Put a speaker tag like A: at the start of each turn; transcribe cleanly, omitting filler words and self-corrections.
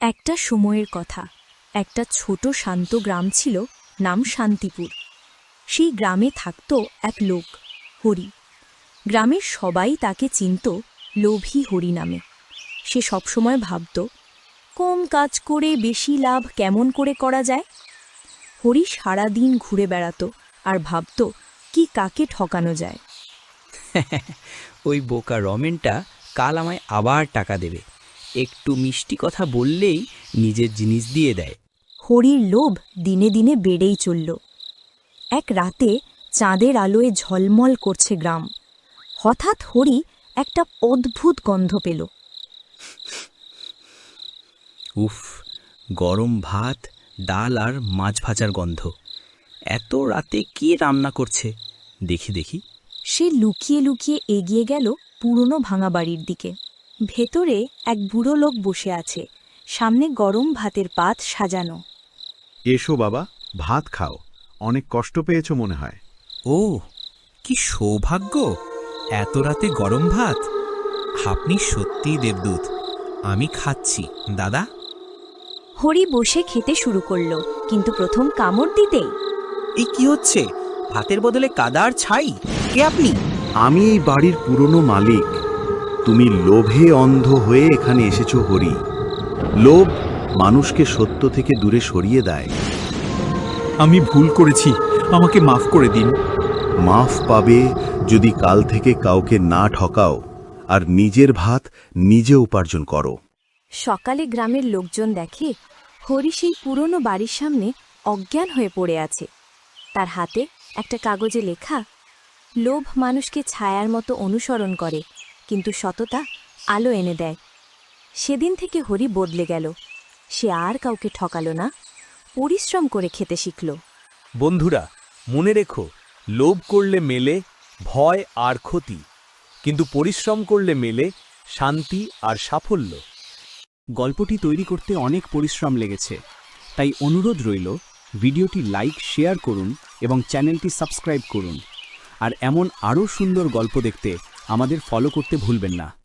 A: একটা সময়ের কথা। একটা ছোট শান্ত গ্রাম ছিল, নাম শান্তিপুর। সেই গ্রামে থাকত এক লোক, হরি। গ্রামের সবাই তাকে চিনত লোভী হরি নামে। সে সবসময় ভাবত, কম কাজ করে বেশি লাভ কেমন করে করা যায়। হরি সারাদিন ঘুরে বেড়াত আর ভাবত কি কাকে ঠকানো যায়।
B: ওই বোকা রমেনটা কাল আমায় আবার টাকা দেবে, একটু মিষ্টি কথা বললেই নিজের জিনিস দিয়ে দেয়।
A: হরির লোভ দিনে দিনে বেড়েই চলল। এক রাতে চাঁদের আলোয় ঝলমল করছে গ্রাম। হঠাৎ হরি একটা অদ্ভুত গন্ধ পেল।
B: উফ, গরম ভাত, ডাল আর মাছ ভাজার গন্ধ। এত রাতে কি রান্না করছে দেখি দেখি।
A: সে লুকিয়ে লুকিয়ে এগিয়ে গেল পুরনো ভাঙা বাড়ির দিকে। ভেতরে এক বুড়ো লোক বসে আছে, সামনে গরম ভাতের পাত সাজানো।
C: এসো বাবা, ভাত খাও। অনেক কষ্ট পেয়েছো মনে হয়।
D: ও, কি সৌভাগ্য! এত রাতে গরম ভাত। আপনি সত্যিই দেবদূত। আমি খাচ্ছি দাদা।
A: হরি বসে খেতে শুরু করল, কিন্তু প্রথম কামড় দিতেই
B: এই কি হচ্ছে? ভাতের বদলে কাদা আর ছাই। কে আপনি?
C: আমি এই বাড়ির পুরনো মালিক। তুমি লোভে অন্ধ হয়ে এখানে এসেছো হরি। লোভ মানুষকে সত্য থেকে দূরে সরিয়ে দেয়।
D: আমি ভুল করেছি, আমাকে মাফ করে দিন।
C: মাফ পাবে যদি কাল থেকে কাউকে না ঠকাও আর নিজের ভাত নিজে উপার্জন করো।
A: সকালে গ্রামের লোকজন দেখে হরি সেই পুরনো বাড়ির সামনে অজ্ঞান হয়ে পড়ে আছে। তার হাতে একটা কাগজে লেখা, লোভ মানুষকে ছায়ার মতো অনুসরণ করে, কিন্তু সততা আলো এনে দেয়। সেদিন থেকে হরি বদলে গেল। সে আর কাউকে ঠকালো না, পরিশ্রম করে খেতে শিখল।
E: বন্ধুরা, মনে রেখো, লোভ করলে মেলে ভয় আর ক্ষতি, কিন্তু পরিশ্রম করলে মেলে শান্তি আর সাফল্য।
F: গল্পটি তৈরি করতে অনেক পরিশ্রম লেগেছে, তাই অনুরোধ রইল ভিডিওটি লাইক, শেয়ার করুন এবং চ্যানেলটি সাবস্ক্রাইব করুন। আর এমন আরও সুন্দর গল্প দেখতে আমাদের ফলো করতে ভুলবেন না।